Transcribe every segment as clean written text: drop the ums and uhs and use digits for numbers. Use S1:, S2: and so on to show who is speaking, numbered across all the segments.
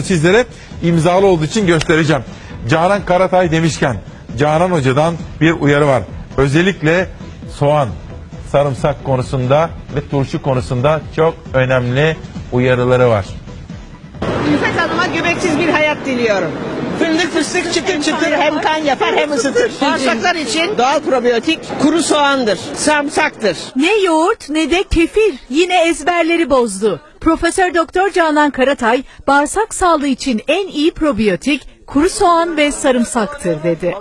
S1: sizlere imzalı olduğu için göstereceğim. Canan Karatay demişken Canan Hoca'dan bir uyarı var. Özellikle soğan, sarımsak konusunda ve turşu konusunda çok önemli uyarıları var.
S2: İlfet Hanım'a göbeksiz bir hayat diliyorum. Fındık fıstık çıtır çıtır hem kan yapar hem ısıtır. Bağırsaklar için doğal probiyotik kuru soğandır, sarımsaktır.
S3: Ne yoğurt ne de kefir yine ezberleri bozdu. Profesör Doktor Canan Karatay bağırsak sağlığı için en iyi probiyotik kuru soğan ve sarımsaktır dedi.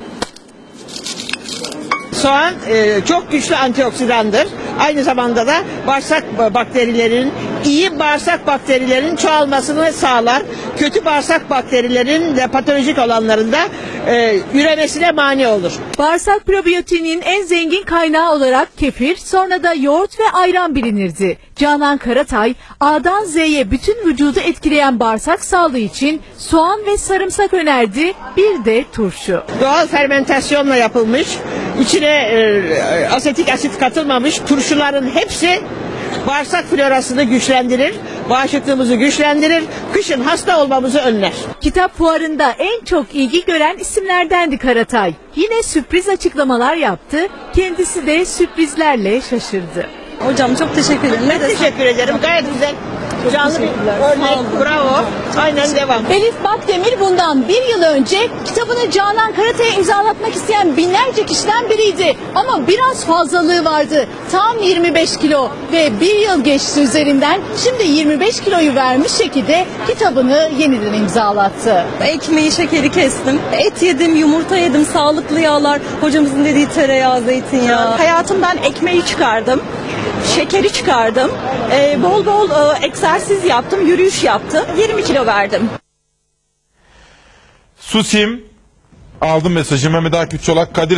S2: Soğan çok güçlü antioksidandır. Aynı zamanda da bağırsak bakterilerinin, iyi bağırsak bakterilerinin çoğalmasını sağlar. Kötü bağırsak bakterilerin de patolojik olanların da üremesine mani olur.
S3: Bağırsak probiyotiğinin en zengin kaynağı olarak kefir, sonra da yoğurt ve ayran bilinirdi. Canan Karatay, A'dan Z'ye bütün vücudu etkileyen bağırsak sağlığı için soğan ve sarımsak önerdi, bir de turşu.
S2: Doğal fermentasyonla yapılmış, içine asetik asit katılmamış turşuların hepsi bağırsak florasını güçlendirir, bağışıklığımızı güçlendirir, kışın hasta olmamızı önler.
S3: Kitap fuarında en çok ilgi gören isimlerdendi Karatay. Yine sürpriz açıklamalar yaptı, kendisi de sürprizlerle şaşırdı.
S4: Hocam çok teşekkür ederim.
S2: Ben teşekkür ederim. Gayet güzel. Canlı bir örnek. Bravo. Aynen devam.
S3: Elif Bakdemir bundan bir yıl önce kitabını Canan Karatay'a imzalatmak isteyen binlerce kişiden biriydi. Ama biraz fazlalığı vardı. Tam 25 kilo ve bir yıl geçti üzerinden. Şimdi 25 kiloyu vermiş şekilde kitabını yeniden imzalattı.
S4: Ekmeği, şekeri kestim. Et yedim, yumurta yedim, sağlıklı yağlar. Hocamızın dediği tereyağı, zeytinyağı.
S5: Hayatımdan ekmeği çıkardım. Şekeri çıkardım. Bol bol egzersiz yaptım, yürüyüş yaptım. 20 kilo verdim.
S1: Susim, aldım mesajı. Mehmet Akif Çolak, Kadir